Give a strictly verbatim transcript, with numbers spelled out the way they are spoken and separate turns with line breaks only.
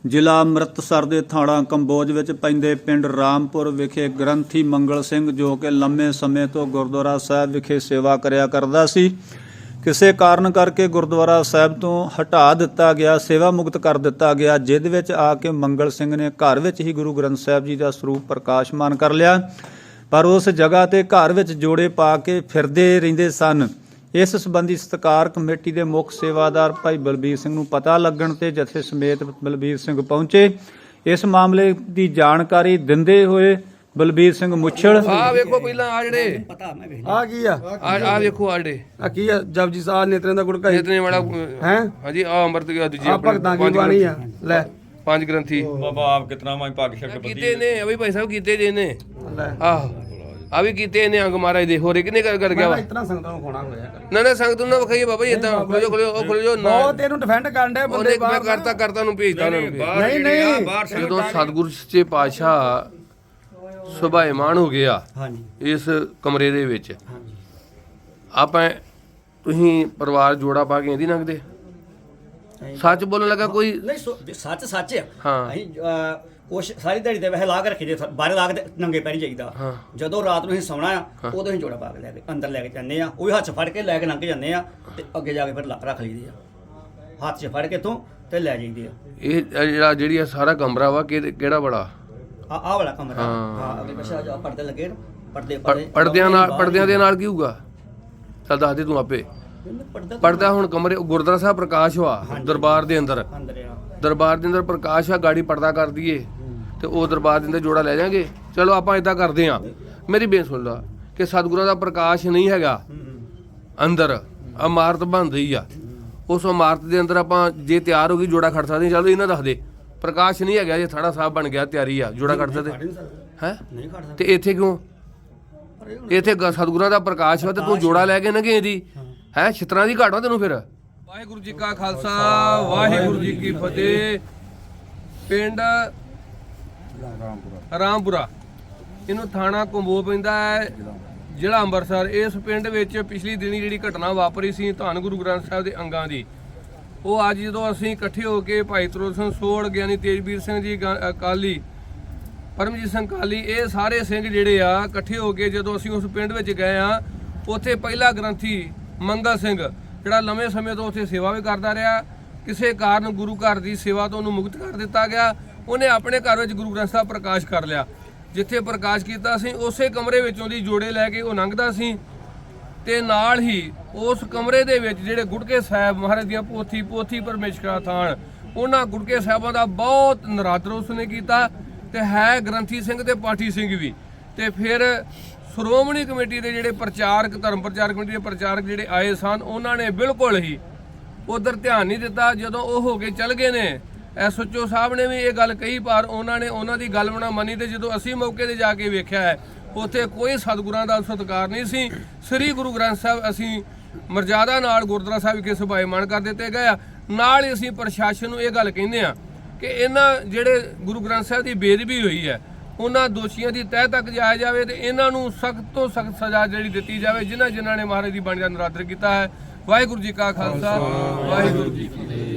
ਜ਼ਿਲ੍ਹਾ ਅੰਮ੍ਰਿਤਸਰ ਦੇ ਥਾਣਾ ਕੰਬੋਜ ਵਿੱਚ ਪੈਂਦੇ ਪਿੰਡ ਰਾਮਪੁਰ ਵਿਖੇ ਗ੍ਰੰਥੀ ਮੰਗਲ ਸਿੰਘ ਜੋ ਕਿ ਲੰਮੇ ਸਮੇਂ ਤੋਂ ਗੁਰਦੁਆਰਾ ਸਾਹਿਬ ਵਿਖੇ ਸੇਵਾ ਕਰਿਆ ਕਰਦਾ ਸੀ, ਕਿਸੇ ਕਾਰਨ ਕਰਕੇ ਗੁਰਦੁਆਰਾ ਸਾਹਿਬ ਤੋਂ ਹਟਾ ਦਿੱਤਾ ਗਿਆ, ਸੇਵਾ ਮੁਕਤ ਕਰ ਦਿੱਤਾ ਗਿਆ। ਜਿਸ ਵਿੱਚ ਆ ਕੇ ਮੰਗਲ ਸਿੰਘ ਨੇ ਘਰ ਵਿੱਚ ਹੀ ਗੁਰੂ ਗ੍ਰੰਥ ਸਾਹਿਬ ਜੀ ਦਾ ਸਰੂਪ ਪ੍ਰਕਾਸ਼ਮਾਨ ਕਰ ਲਿਆ, ਪਰ ਉਸ ਜਗ੍ਹਾ ਤੇ ਘਰ ਵਿੱਚ ਜੋੜੇ ਪਾ ਕੇ ਫਿਰਦੇ ਰਹਿੰਦੇ ਸਨ। ਇਸ ਸੰਬੰਧੀ ਸਤਿਕਾਰ ਕਮੇਟੀ ਦੇ ਮੁੱਖ ਸੇਵਾਦਾਰ ਭਾਈ ਬਲਬੀਰ ਸਿੰਘ ਨੂੰ ਪਤਾ ਲੱਗਣ ਤੇ ਜਥੇ ਸਮੇਤ ਬਲਬੀਰ ਸਿੰਘ ਪਹੁੰਚੇ। ਇਸ ਮਾਮਲੇ ਦੀ ਜਾਣਕਾਰੀ ਦਿੰਦੇ ਹੋਏ ਬਲਬੀਰ ਸਿੰਘ ਮੁੱਛਲ
ਆ ਵੇਖੋ ਪਹਿਲਾਂ ਆ ਜਿਹੜੇ
ਆ ਕੀ ਆ
ਆ ਵੇਖੋ ਆ ਜਿਹੜੇ
ਆ ਕੀ ਆ ਜਪਜੀ ਸਾਹਿਬ ਨੇਤਰਾਂ ਦਾ ਗੁੜਕਾ
ਇਤਨੇ ਵਾਲਾ
ਹੈ
ਹਾਂਜੀ ਆ ਅੰਮ੍ਰਿਤ ਗਿਆ ਦੂਜੀ
ਆ ਭਗਤਾਂ ਕੀ ਬਾਣੀ ਆ ਲੈ
ਪੰਜ ਗ੍ਰੰਥੀ
ਬਾਬਾ ਆਪ ਕਿਤਨਾ ਮੈਂ ਭਾਗ ਸ਼ਕਤ
ਕੀਤੇ ਨੇ ਅਭੀ ਭਾਈ ਸਾਹਿਬ ਕੀਤੇ ਜੇ ਨੇ
ਲੈ
ਆਹ ਆ ਵੀ ਕੀਤੇ ਨੇ ਅੰਗ ਮਹਾਰਾਜ ਦੇ ਹੋਰੇ ਕਿੰਨੇ ਕਰ ਕਰ ਗਿਆ ਵਾ
ਇਤਨਾ ਸੰਗਤਾਂ ਨੂੰ ਖੋਣਾ ਹੋਇਆ ਕਰ
ਨਾ ਨਾ ਸੰਗਤ ਨੂੰ ਵਿਖਾਈਏ ਬਾਬਾ ਜੀ ਇਦਾਂ ਖੋਲੋ ਖੋਲੋ ਉਹ ਖੋਲੋ ਨਾ
ਉਹ ਤੈਨੂੰ ਡਿਫੈਂਡ ਕਰਨ ਦੇ ਬੰਦੇ
ਉਹਨੇ ਮੈਂ
ਬਾਹਰ
ਕਰਤਾ ਕਰਤਾ ਨੂੰ ਭੇਜਦਾ ਉਹਨਾਂ ਨੂੰ
ਨਹੀਂ ਨਹੀਂ
ਜਦੋਂ ਸਤਿਗੁਰੂ ਸੱਚੇ ਪਾਤਸ਼ਾਹ ਸੁਭਾਏਮਾਨ ਹੋ ਗਿਆ
ਹਾਂਜੀ
ਇਸ ਕਮਰੇ ਦੇ ਵਿੱਚ ਆਪਾਂ ਤੁਸੀਂ ਪਰਿਵਾਰ ਜੋੜਾ ਪਾ ਕੇ ਇਹਦੀ ਲੰਘਦੇ ਸੱਚ ਬੋਲਣ ਲੱਗਾ ਕੋਈ
ਨਹੀਂ ਸੋ- ਸੱਚ ਸੱਚ ਆ
ਹਾਂ।
ਅਸੀਂ ਅਹ, ਕੁਛ ਸਾਰੀ ਦਿਹਾੜੀ ਦੇ ਵੈਸੇ ਲਾ ਕੇ ਰੱਖੀ ਦੇ ਬਾਹਰ ਲਾ ਕੇ ਨੰਗੇ ਪੈਰੀ ਜਾਈਦਾ।
ਹਾਂ।
ਜਦੋਂ ਰਾਤ ਨੂੰ ਅਸੀਂ ਸੌਣਾ ਆ ਉਦੋਂ ਅਸੀਂ ਜੋੜਾ ਪਾ ਕੇ ਲੈ ਕੇ ਅੰਦਰ ਲੈ ਕੇ ਜਾਂਦੇ ਆ, ਉਹ ਵੀ ਹੱਥ 'ਚ ਫੜ ਕੇ ਲੈ ਕੇ ਲੰਘ ਜਾਂਦੇ ਆ ਤੇ ਅੱਗੇ ਜਾ ਕੇ ਫਿਰ ਲਾ- ਰੱਖ ਲਈਦੇ ਆ ਹੱਥ 'ਚ ਫੜ ਕੇ ਤੋਂ ਤੇ ਲੈ ਜਾਈਦੇ ਆ।
ਇਹ ਜਿਹੜਾ ਜਿਹੜੀ ਆ ਸਾਰਾ ਕਮਰਾ ਵਾ ਕਿ- ਕਿਹੜਾ ਬੜਾ
ਆ ਆਹ ਵਾਲਾ ਕਮਰਾ
ਹਾਂ।
ਹਾਂ ਅੱਗੇ ਪਿੱਛੇ ਜਾ ਪਰਦੇ ਲੱਗੇ ਨੇ, ਪਰਦੇ
ਪਰ- ਪਰਦਿਆਂ ਨਾਲ ਪਰਦਿਆਂ ਦੇ ਨਾਲ ਕੀ ਹੋਊਗਾ ਚੱਲ ਦੱਸ ਦੇ ਤੂੰ ਆਪੇ
ਪਰਦਾ
ਪਰਦਾ ਹੁਣ ਕਮਰੇ ਗੁਰਦੁਆਰਾ ਸਾਹਿਬ ਪ੍ਰਕਾਸ਼ ਵਾ ਦਰਬਾਰ ਦੇ ਅੰਦਰ
ਅੰਦਰ ਆ
ਦਰਬਾਰ ਦੇ ਅੰਦਰ ਪ੍ਰਕਾਸ਼ ਆ ਗਾੜੀ ਪਰਦਾ ਕਰ ਦਈਏ ਤੇ ਉਹ ਦਰਬਾਰ ਦੇ ਅੰਦਰ ਜੋੜਾ ਲੈ ਜਾਾਂਗੇ। ਚਲੋ ਆਪਾਂ ਇਦਾਂ ਕਰਦੇ ਆ ਮੇਰੀ ਬੇਨਤੀ ਸੁਣ ਲਾ ਕਿ ਸਤਿਗੁਰਾਂ ਦਾ ਪ੍ਰਕਾਸ਼ ਨਹੀਂ ਹੈਗਾ ਅੰਦਰ ਇਮਾਰਤ ਬਣ ਰਹੀ ਆ ਉਸ ਇਮਾਰਤ ਦੇ ਅੰਦਰ ਆਪਾਂ ਜੇ ਤਿਆਰ ਹੋ ਗਈ ਜੋੜਾ ਖੜ ਸਕਦੇ ਚਲੋ ਇਹਨਾਂ ਦੱਸ ਦੇ ਪ੍ਰਕਾਸ਼ ਨਹੀਂ ਹੈਗਾ ਜੇ ਥਾੜਾ ਸਾਹਿਬ ਬਣ ਗਿਆ ਤਿਆਰੀ ਆ ਜੋੜਾ ਖੜ ਸਕਦੇ ਹੈ
ਨਹੀਂ ਖੜ ਸਕਦਾ
ਤੇ ਇੱਥੇ ਕਿਉਂ ਇੱਥੇ ਗ- ਸਤਿਗੁਰਾਂ ਦਾ ਪ੍ਰਕਾਸ਼ ਵਾ ਤੇ ਤੂੰ ਜੋੜਾ ਲੈ ਕੇ ਨਗੇ ਦੀ ਹੈ ਛਿੱਤਰਾਂ ਦੀ ਘਾਟ ਵਾ ਤੈਨੂੰ ਫਿਰ। ਵਾਹਿਗੁਰੂ ਜੀ ਕਾ ਖਾਲਸਾ ਵਾਹਿਗੁਰੂ ਜੀ ਕੀ ਫਤਿਹ। ਪਿੰਡ ਰਾਮਪੁਰਾ ਇਹਨੂੰ ਥਾਣਾ ਕੰਬੋ ਪੈਂਦਾ ਹੈ ਜ਼ਿਲ੍ਹਾ ਅੰਮ੍ਰਿਤਸਰ। ਇਸ ਪਿੰਡ ਵਿੱਚ ਪਿਛਲੀ ਦਿਨੀ ਜਿਹੜੀ ਘਟਨਾ ਵਾਪਰੀ ਸੀ ਧੰਨ ਗੁਰੂ ਗ੍ਰੰਥ ਸਾਹਿਬ ਦੇ ਅੰਗਾਂ ਦੀ, ਉਹ ਅੱਜ ਜਦੋਂ ਅਸੀਂ ਇਕੱਠੇ ਹੋ ਕੇ ਭਾਈ ਤਰੋੜ ਸਿੰਘ ਸੋੜ, ਗਿਆਨੀ ਤੇਜਵੀਰ ਸਿੰਘ ਜੀ ਗਾ- ਅਕਾਲੀ, ਪਰਮਜੀਤ ਸਿੰਘ ਕਾਲੀ, ਇਹ ਸਾਰੇ ਸਿੰਘ ਜਿਹੜੇ ਆ ਇਕੱਠੇ ਹੋ ਕੇ ਜਦੋਂ ਅਸੀਂ ਉਸ ਪਿੰਡ ਵਿੱਚ ਗਏ ਆ, ਉੱਥੇ ਪਹਿਲਾ ਗ੍ਰੰਥੀ ਮੰਗਲ ਸਿੰਘ ਜਿਹੜਾ ਲੰਮੇ ਸਮੇਂ ਤੋਂ ਉੱਥੇ ਸੇਵਾ ਵੀ ਕਰਦਾ ਰਿਹਾ, ਕਿਸੇ ਕਾਰਨ ਗੁਰੂ ਘਰ ਦੀ ਸੇਵਾ ਤੋਂ ਉਹਨੂੰ ਮੁਕਤ ਕਰ ਦਿੱਤਾ ਗਿਆ। ਉਹਨੇ ਆਪਣੇ ਘਰ ਵਿੱਚ ਗੁਰੂ ਗ੍ਰੰਥ ਸਾਹਿਬ ਪ੍ਰਕਾਸ਼ ਕਰ ਲਿਆ। ਜਿੱਥੇ ਪ੍ਰਕਾਸ਼ ਕੀਤਾ ਸੀ ਉਸੇ ਕਮਰੇ ਵਿੱਚੋਂ ਦੀ ਜੋੜੇ ਲੈ ਕੇ ਉਹ ਲੰਘਦਾ ਸੀ ਤੇ ਨਾਲ ਹੀ ਉਸ ਕਮਰੇ ਦੇ ਵਿੱਚ ਜਿਹੜੇ ਗੁਟਕੇ ਸਾਹਿਬ ਮਹਾਰਾਜ ਦੀਆਂ ਪੋਥੀ ਪੋਥੀ ਪਰਮੇਸ਼ਕਰਾ ਥਾਨ, ਉਹਨਾਂ ਗੁਟਕੇ ਸਾਹਿਬਾਂ ਦਾ ਬਹੁਤ ਨਰਾਦਰ ਉਸਨੇ ਕੀਤਾ ਤੇ ਹੈ ਗ੍ਰੰਥੀ ਸਿੰਘ ਤੇ ਪਾਠੀ ਸਿੰਘ ਵੀ। ਤੇ ਫਿਰ ਸ਼੍ਰੋਮਣੀ ਕਮੇਟੀ ਦੇ ਜਿਹੜੇ ਪ੍ਰਚਾਰਕ ਧਰਮ ਪ੍ਰਚਾਰ ਕਮੇਟੀ ਦੇ ਪ੍ਰਚਾਰਕ ਜਿਹੜੇ ਆਏ ਸਨ ਉਹਨਾਂ ਨੇ ਬਿਲਕੁਲ ਹੀ ਉਧਰ ਧਿਆਨ ਨਹੀਂ ਦਿੱਤਾ। ਜਦੋਂ ਉਹ ਹੋ ਕੇ ਚਲ ਗਏ ਨੇ ਐਸਓਚਓ ਸਾਹਿਬ ਨੇ ਵੀ ਇਹ ਗੱਲ ਕਹੀ ਪਰ ਉਹਨਾਂ ਨੇ ਉਹਨਾਂ ਦੀ ਗੱਲ ਨਾ ਮੰਨੀ ਤੇ ਜਦੋਂ ਅਸੀਂ ਮੌਕੇ ਤੇ ਜਾ ਕੇ ਵੇਖਿਆ ਹੈ ਉੱਥੇ ਕੋਈ ਸਤਿਗੁਰਾਂ ਦਾ ਸਤਿਕਾਰ ਨਹੀਂ ਸੀ। ਸ੍ਰੀ ਗੁਰੂ ਗ੍ਰੰਥ ਸਾਹਿਬ ਅਸੀਂ ਮਰਜ਼ਾਦਾ ਨਾਲ ਗੁਰਦੁਆਰਾ ਸਾਹਿਬ ਵਿਖੇ ਸੁਭਾਏਮਾਨ ਕਰ ਦਿੱਤੇ ਗਏ ਆ। ਨਾਲ ਹੀ ਅਸੀਂ ਪ੍ਰਸ਼ਾਸਨ ਨੂੰ ਇਹ ਗੱਲ ਕਹਿੰਦੇ ਆ ਕਿ ਇਹਨਾਂ ਜਿਹੜੇ ਗੁਰੂ ਗ੍ਰੰਥ ਸਾਹਿਬ ਦੀ ਬੇਅਦਬੀ ਹੋਈ ਹੈ ਉਹਨਾਂ ਦੋਸ਼ੀਆਂ ਦੀ ਤਹਿ ਤੱਕ ਜਾਇਆ ਜਾਵੇ ਤੇ ਇਹਨਾਂ ਨੂੰ ਸਖਤ ਤੋਂ ਸਖਤ ਸਜ਼ਾ ਜਿਹੜੀ ਦਿੱਤੀ ਜਾਵੇ ਜਿਨ੍ਹਾਂ ਜਿਨ੍ਹਾਂ ਨੇ ਮਹਾਰਾਜ ਦੀ ਬਾਣੀ ਦਾ ਨਰਾਦਰ ਕੀਤਾ ਹੈ। ਵਾਹਿਗੁਰੂ ਜੀ ਕਾ ਖਾਲਸਾ ਵਾਹਿਗੁਰੂ ਜੀ ਕੀ ਫਤਿਹ।